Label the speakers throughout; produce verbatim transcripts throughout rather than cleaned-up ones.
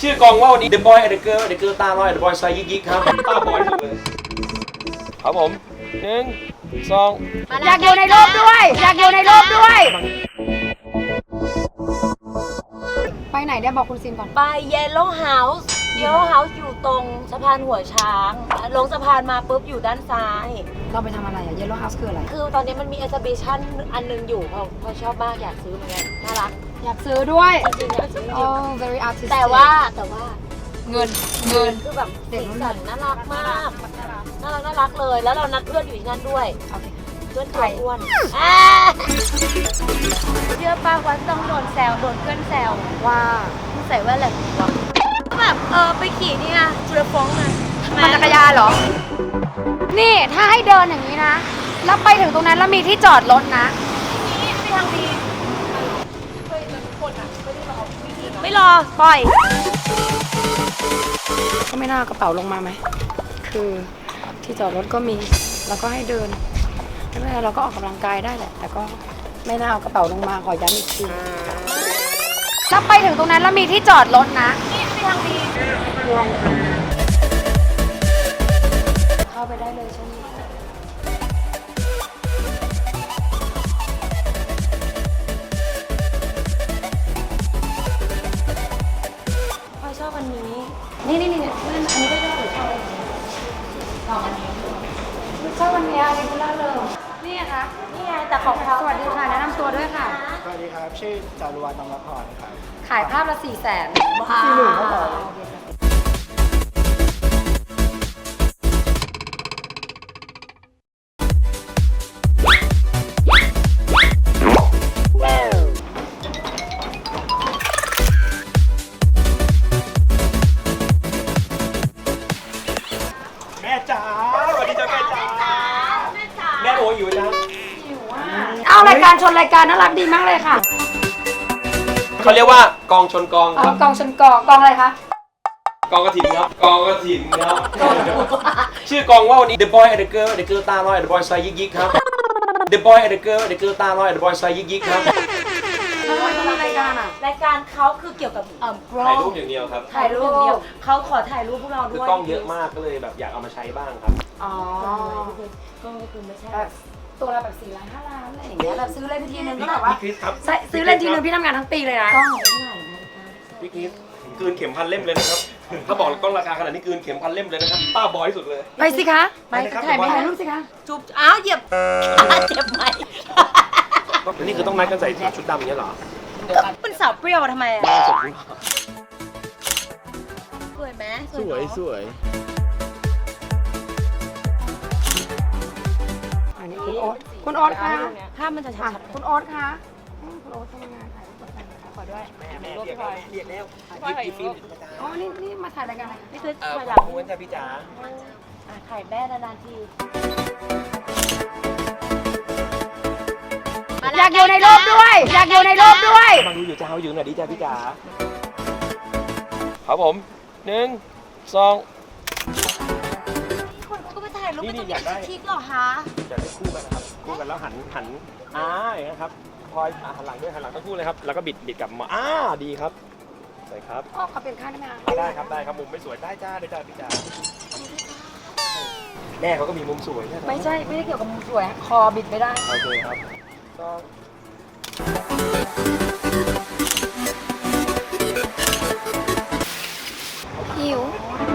Speaker 1: ชื่อกองว่าวันนี้ The Boy and the Girl The Girl ตาลอย The Boy ไซยิกยิกครับตาบอยสุดเลยครับผมหนึ่งสอง
Speaker 2: อยากอยู่ในรูปด้วยอยากอยู่ในรูปด้วยไปไหนได้บอกคุณซินก่อน
Speaker 3: ไปเยลโล่เฮาส์เยลโล่เฮาส์อยู่ตรงสะพานหัวช้างลงสะพานมาปุ๊บอยู่ด้านซ้าย
Speaker 2: เราไปทำอะไรอะ Yellow House คืออะไร
Speaker 3: คือตอนนี้มันมี exhibition อันนึงอยู่พอพอชอบมากอยากซื้อเหมือนกันน่ารัก
Speaker 2: อยากซื้อด้วย
Speaker 3: จริงๆอยากซื้อจริง
Speaker 2: oh very artistic
Speaker 3: แต่ว่าแต่ว่า
Speaker 2: เงินเงิน
Speaker 3: คือแบบสีสันน่ารักมากน่ารักน่ารักเลยแล้วเรานัดเพื่อนอยู่ที่นั่นด้วยเพื่อนตัวอ้วนเชื่อป้าว่าต้องโดนแซวโดนเพื่อนแซวว่าใส่แว่นอะไรวะแบบเออไปขี่นี่ไงจูเลฟงไง
Speaker 2: ปั่นจักรยานเหรอนี่ถ้าให้เดินอย่างนี้นะแล้วไปถึงตรงนั้นแล้วมีที่จอดรถนะ
Speaker 3: นี่ไปทางดีไม่รอปล่อย
Speaker 2: ก็ไม่น่าเอากระเป๋าลงมาไหมคือที่จอดรถก็มีแล้วก็ให้เดินไม่เป็นไรเราก็ออกกำลังกายได้แหละแต่ก็ไม่น่าเอากระเป๋าลงมาขอย้ำอีกทีถ้าไปถึงตรงนั้นแล้วมีที่จอดรถนะ
Speaker 3: นี่ไปทางดี
Speaker 2: เข้าไปได้เลยใช่ไหม
Speaker 3: พอยชอบอันนี้นี่นี่นี่อันนี้ก็ชอบหรือชอบอะไรชอบอันนี้
Speaker 2: ชอบวันนี้อะไรคุณล่าเลยนี่คะ
Speaker 3: นี่ไงแต่ของเขา
Speaker 2: สวัสดีค่ะแนะนำตัวด้วยค่ะ
Speaker 4: สวัสดีครับชื่อจารุวรรณ นำละพรครับ
Speaker 2: ขายภาพละสี่แสน
Speaker 4: สี่หมื่นครับผม
Speaker 1: แม่จ๋าสวัสดีจ้าแม่จ๋าแม่จ๋าแม่โออยู่นะ
Speaker 2: เอารายการชนรายการน่ารักดีมากเลยค่ะ
Speaker 1: เขาเรียกว่ากองชนกองครับ
Speaker 2: กองชนกองกองอะไรคะ
Speaker 1: กองกระถิ่นครับกองกระถิ่นครับชื่อกองว่าวันนี้ The Boy and the Girl The Girl ตาลอย The Boy ไซยิกยิกครับ The Boy and the Girl The Girl ตาลอย The Boy ไซยิกยิกครับ
Speaker 2: ทำไมต้องรายการอ่ะ
Speaker 3: รายการเขาคือเกี่ยวกับเอ่อกล้อง
Speaker 1: ถ่ายรูปอย่างเดียวครับ
Speaker 3: ถ่ายรูปอย่างเดียวเขาขอถ่ายรูปพวกเราด้วย
Speaker 1: คือกล้องเยอะมากก็เลยแบบอยากเอามาใช้บ้างครับ
Speaker 2: อ๋
Speaker 3: อกล้องก็คือไม่ใช่
Speaker 2: ตัวละแบบสี่ล้านห้าล้านอะไรอย่างเงี้ยแบบซื้อเล่นทีนึงก็แบบว่าซื้อเล่นทีนึงพี่ทำงานทั้งปีเลยนะ
Speaker 3: กล้องเท่าไหร่
Speaker 1: พี่คริสคืนเข็มพันเล่มเลยนะครับถ้าบอกกล้องราคาขนาดนี้คืนเข็มพันเล่มเลยนะครับป้าบอยสุดเลย
Speaker 2: ไปสิคะไปถ่ายไม่ถ่ายรูปสิคะ
Speaker 3: จุ๊บอ้าวเหยียบเจ็บไหม
Speaker 1: นี่คือต้องนัดกันใส่ชุดดำอย่างเงี้ยเหรอ
Speaker 3: เป็นสาวเปรี้ยวทำไมอ่ะสวยไหม
Speaker 4: สวยสวย
Speaker 2: อันนี้คุณโอ๊ตคุณโอ๊ตคะ
Speaker 3: ภาพมันจะชัด
Speaker 2: คุณโอ๊ตคะคุณโอ๊ตทำงานถ่ายรูปขอด้วย
Speaker 1: แม่แม่เรียกแล้วเรียกแล้วยิบฟิล์ม
Speaker 2: อ๋อนี่นี่มาถ่ายรายการอะไร
Speaker 3: นี่คือ
Speaker 1: ถ่ายหลังม้วนจ้าพี่จ๋า
Speaker 3: ถ่ายแม่นานๆที
Speaker 2: อยากอยู่ในรูปด้วยอยากอยู่ในรูปด้วย
Speaker 1: มาดูอยู่จ้าอยู่หน่อยดิจ้าพี่จ๋าครับผมหนึ่งสอง
Speaker 3: คนก็ไปถ่ายรูปเป็นตัวชิคหรอคะ
Speaker 1: จะได้คู่กันนะครับคู่กันแล้วหันหันอ่าอย่างนี้ครับพอยหันหลังด้วยหันหลังต้องคู่เลยครับแล้วก็บิดบิดกลับมาอ่าดีครับสวยครับ
Speaker 2: อ๋อขอเปลี่ยนข้างได้ไหม
Speaker 1: ได้ครับได้ครับมุมไม่สวยได้จ้าได้จ้าพี่จ๋าแม่เขาก็มีมุมสวยใช่ไหม
Speaker 2: ไม่ใช่ไม่ได้เกี่ยวกับมุมสวยคอบิดไม่ได้
Speaker 1: โอเคครับก็
Speaker 2: หิว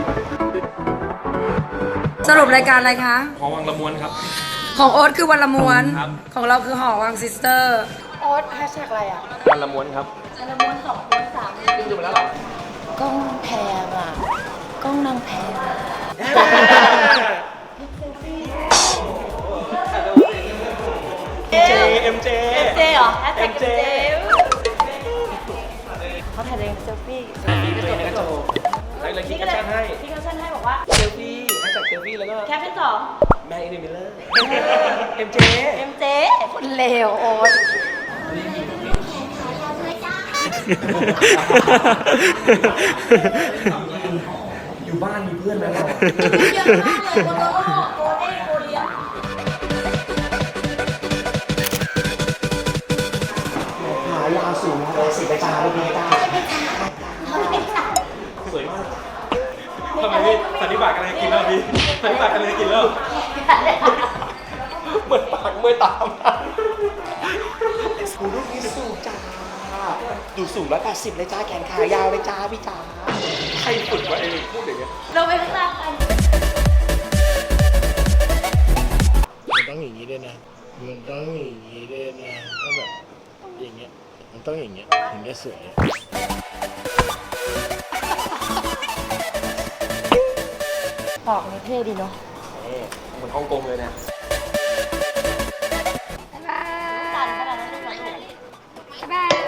Speaker 2: สรุปรายการอะไรคะ
Speaker 1: หอวังละม้วนครับ
Speaker 2: ของโอ๊ตคือวันละม้วนของเราคือหอวังซิสเตอร์โอ๊ตแฮชแท็กอะไรอ่ะ
Speaker 1: วันละม้วนครับ
Speaker 3: วันละม้วนสองม้วนสาม
Speaker 1: ม้วนดูมาแล้วหรอก
Speaker 3: ล้องแพงอ่ะกล้องนางแพง
Speaker 1: เจเอ็มเจ
Speaker 3: เอ็มเจเหรอแฮชแท็กเอ็มเจเขาถ่ายเองเซลฟี่
Speaker 1: เซลฟี่ด้วยนะโจแล้วคิดแคปชั่นให้
Speaker 3: คิดแคปชั่นให้บอกว่า
Speaker 1: เซลฟี่แฮชแท็กเซลฟี่แล้วก็
Speaker 3: แคปชั่นสอง
Speaker 1: แม่อินดิมิลเลอร์เอ็มเจ
Speaker 3: เอ็มเจ
Speaker 2: คนเลวโอ๊ต
Speaker 1: อยู่บ้านมีเพื่อนแล้วเ
Speaker 3: ยอะมากเลยโกโต้โกเด้โกเลีย
Speaker 1: หายาสูงราศีประจาไม่มีตาสันนิบาตกำลังจะกินแล้วพี่สันนิบาตกำลังจะกินแล้วเหมือนปากเมื่อยตามสูงลูกนี้สูงจ้าดูสูงร้อยแปดสิบเลยจ้าแขนขายาวเลยจ้าพี่จ้าใครฝึกวะไอ้พูดอย่างเงี้ย
Speaker 3: เราไปข้างล่างกัน
Speaker 4: มันต้องอย่างนี้ด้วยนะ มันต้องอย่างนี้ด้วยนะต้องแบบอย่างเงี้ย มันต้องอย่างเงี้ยถึงจะสวย
Speaker 2: ปอกนี่เท่ดีเนาะ
Speaker 1: เหมือนฮ่องกงเลยเนี่ย
Speaker 3: สั่นขนาดนั้นเลยเหรอลูก
Speaker 2: บ๊าย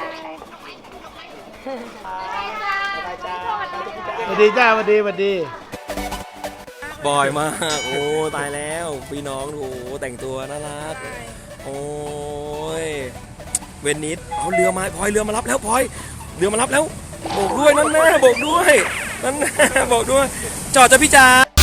Speaker 2: บาย
Speaker 4: สวัสดีจ้าสวัสดีสวัสดี
Speaker 1: บ่อยมาก โอ้ตายแล้วพี่น้องโอ้แต่งตัวน่ารักโอ้ยเวนิสเอาเรือมาพลอยเรือมารับแล้วพลอยเรือมารับแล้วโบกด้วยนั่นแม่โบกด้วยนั่นแม่โบกด้วยจอดจ้ะพี่จ๋า